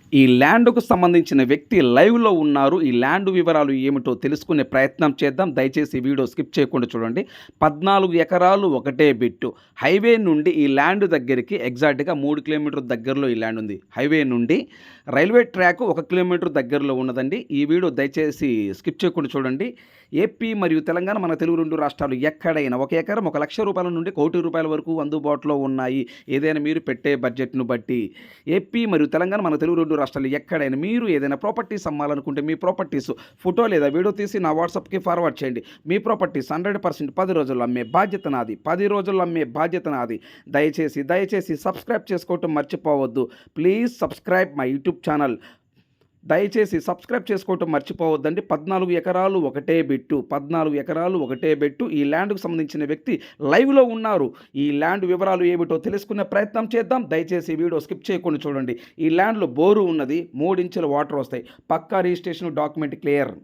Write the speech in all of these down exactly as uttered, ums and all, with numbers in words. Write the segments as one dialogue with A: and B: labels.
A: ఈ ల్యాండ్‌కు సంబంధించిన వ్యక్తి లైవ్‌లో ఉన్నారు. ఈ ల్యాండ్ వివరాలు ఏమిటో తెలుసుకునే ప్రయత్నం చేద్దాం. దయచేసి వీడియో స్కిప్ చేయకుండా చూడండి. పద్నాలుగు ఎకరాలు ఒకటే బిట్టు. హైవే నుండి ఈ ల్యాండ్ దగ్గరికి ఎగ్జాక్ట్‌గా మూడు కిలోమీటర్ల దగ్గరలో ఈ ల్యాండ్ ఉంది. హైవే నుండి రైల్వే ట్రాక్ ఒక కిలోమీటర్ దగ్గరలో ఉన్నదండి. ఈ వీడియో దయచేసి స్కిప్ చేయకుండా చూడండి. ఏపీ మరియు తెలంగాణ మన తెలుగు రెండు రాష్ట్రాలు ఎక్కడైనా ఒక ఎకరం ఒక లక్ష రూపాయల నుండి కోటి రూపాయల వరకు అందుబాటులో ఉన్నాయి. ఏదైనా మీరు పెట్టే బడ్జెట్‌ను బట్టి. ఏపీ మరియు తెలంగాణ మన తెలుగు రెండు రాష్ట్రాలు ఎక్కడైనా మీరు ఏదైనా ప్రాపర్టీస్ అమ్మాలనుకుంటే మీ ప్రాపర్టీస్ ఫోటో లేదా వీడియో తీసి నా వాట్సాప్కి ఫార్వర్డ్ చేయండి. మీ ప్రాపర్టీస్ హండ్రెడ్ పర్సెంట్ పది రోజుల్లో అమ్మే బాధ్యత నాది. పది రోజుల్లో అమ్మే బాధ్యత నాది. దయచేసి దయచేసి సబ్స్క్రైబ్ చేసుకోవటం మర్చిపోవద్దు. Please subscribe my YouTube channel. దయచేసి సబ్స్క్రైబ్ చేసుకోవటం మర్చిపోవద్దండి. పద్నాలుగు ఎకరాలు ఒకటే బిట్టు. పద్నాలుగు ఎకరాలు ఒకటే బిట్టు. ఈ ల్యాండ్కు సంబంధించిన వ్యక్తి లైవ్లో ఉన్నారు. ఈ ల్యాండ్ వివరాలు ఏమిటో తెలుసుకునే ప్రయత్నం చేద్దాం. దయచేసి వీడియో స్కిప్ చేయకుండా చూడండి. ఈ ల్యాండ్లో బోరు ఉన్నది. మూడు ఇంచుల వాటర్ వస్తాయి. పక్కా రిజిస్ట్రేషన్ డాక్యుమెంట్ క్లియర్.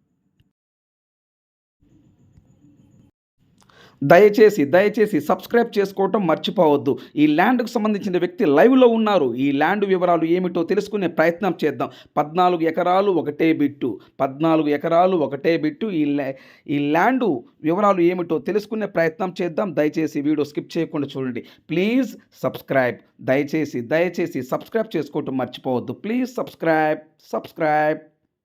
A: దయచేసి దయచేసి సబ్స్క్రైబ్ చేసుకోవటం మర్చిపోవద్దు. ఈ ల్యాండ్కు సంబంధించిన వ్యక్తి లైవ్లో ఉన్నారు. ఈ ల్యాండ్ వివరాలు ఏమిటో తెలుసుకునే ప్రయత్నం చేద్దాం. పద్నాలుగు ఎకరాలు ఒకటే బిట్టు. పద్నాలుగు ఎకరాలు ఒకటే బిట్టు. ఈ ఈ ల్యాండ్ వివరాలు ఏమిటో తెలుసుకునే ప్రయత్నం చేద్దాం. దయచేసి వీడియో స్కిప్ చేయకుండా చూడండి. Please subscribe. దయచేసి దయచేసి సబ్స్క్రైబ్ చేసుకోవటం మర్చిపోవద్దు. ప్లీజ్ సబ్స్క్రైబ్ సబ్స్క్రైబ్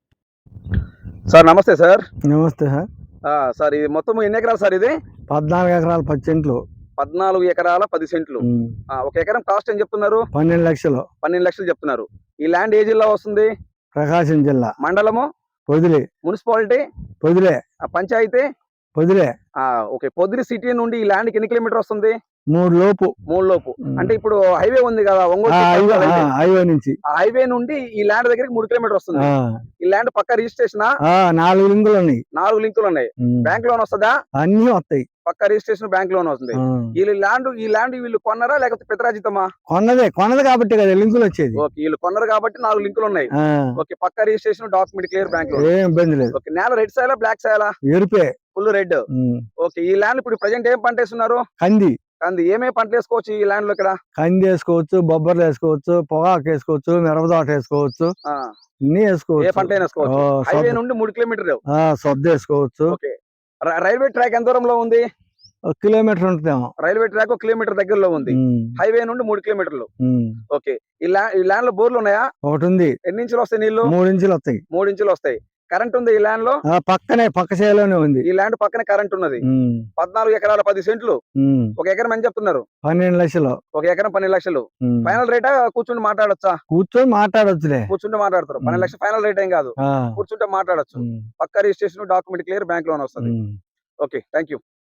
A: సార్ నమస్తే సార్.
B: నమస్తే సార్.
A: సార్ ఇది మొత్తం ఎన్ని ఎకరాలు సార్? ఇది
B: పద్నాలుగు ఎకరాలు పది సెంట్లు.
A: పద్నాలుగు ఎకరాల పది సెంట్లు. ఒక ఎకరం కాస్ట్ ఏం చెప్తున్నారు?
B: పన్నెండు లక్షలు.
A: పన్నెండు లక్షలు చెప్తున్నారు. ఈ ల్యాండ్ ఏ జిల్లా వస్తుంది?
B: ప్రకాశం జిల్లా.
A: మండలము
B: పొదిలి.
A: మున్సిపాలిటీ
B: పొదిలే.
A: పంచాయతీ
B: పొదిలే.
A: ఓకే. పొదిలి సిటీ నుండి ఈ ల్యాండ్ ఎన్ని కిలోమీటర్ వస్తుంది?
B: మూడు లోపు.
A: మూడు లోపు అంటే ఇప్పుడు హైవే ఉంది కదా ఒంగోలు
B: హైవే నుంచి.
A: హైవే నుండి ఈ ల్యాండ్ దగ్గరికి మూడు కిలోమీటర్ వస్తుంది. ఈ ల్యాండ్ పక్క రిజిస్ట్రేషన్
B: నాలుగు లింకులు ఉన్నాయి.
A: నాలుగు లింకులు ఉన్నాయి. బ్యాంక్ లోన్ వస్తుందా?
B: అన్ని వస్తాయి.
A: పక్క రిజిస్ట్రేషన్ బ్యాంక్ లోన్ వస్తుంది. వీళ్ళు ల్యాండ్ ఈ ల్యాండ్ వీళ్ళు కొన్నారా లేకపోతే పితరాజితమా?
B: కొన్నదే. కొన్నది కాబట్టి కదా లింకులు వచ్చేది.
A: ఓకే. వీళ్ళు కొన్నారు కాబట్టి నాలుగు లింకులు ఉన్నాయి. ఓకే. పక్క registration document clear bank loan.
B: ఏం ఇబ్బంది లేదు.
A: ఓకే. నేల రెడ్ సాయలా బ్లాక్ సాయలా?
B: ఎరుపే.
A: Full red. ఓకే. ఈ ల్యాండ్ ఇప్పుడు ప్రజెంట్ ఏం పంట వేస్తున్నారు?
B: కంది.
A: కంది. ఏమేమి పంటలు వేసుకోవచ్చు ఈ ల్యాండ్ లో? ఇక్కడ
B: కంది వేసుకోవచ్చు, బొబ్బర్లు వేసుకోవచ్చు, పొగాకు వేసుకోవచ్చు, మిరపదోట వేసుకోవచ్చు, అన్ని వేసుకోవచ్చు.
A: ఏ పంట వేసుకోవచ్చు. హైవే నుండి మూడు కిలోమీటర్లు
B: సొద్ద వేసుకోవచ్చు.
A: ఓకే. రైల్వే ట్రాక్ ఎంత దూరంలో ఉంది?
B: ఒక కిలోమీటర్ ఉంటుందేమో.
A: రైల్వే ట్రాక్ ఒక కిలోమీటర్ దగ్గరలో ఉంది. హైవే నుండి మూడు కిలోమీటర్లు. ఓకే. ఈ ల్యాండ్ లో బోర్లు ఉన్నాయా?
B: ఒకటి ఉంది.
A: ఎన్ని ఇంచులు వస్తాయి నీళ్లు?
B: మూడు ఇంచులు వస్తాయి.
A: మూడు ఇంచులు వస్తాయి. కరెంట్ ఉంది ఈ ల్యాండ్ లో?
B: పక్కనే పక్క చేలోనే ఉంది.
A: ఈ ల్యాండ్ పక్కనే కరెంట్ ఉన్నది. పద్నాలుగు ఎకరాల పది సెంట్లు. ఒక ఎకరం ఎంత చెప్తున్నారు?
B: పన్నెండు లక్షలు.
A: ఒక ఎకరం పన్నెండు లక్షలు. ఫైనల్ రేటా కూర్చుండి మాట్లాడొచ్చా?
B: కూర్చొని మాట్లాడొచ్చులే.
A: కూర్చుంటే మాట్లాడతారు. పన్నెండు లక్షలు ఫైనల్ రేట్ ఏం కాదు. కూర్చుంటే మాట్లాడొచ్చు. పక్క registration document clear bank loan వస్తుంది. ఓకే. Thank you.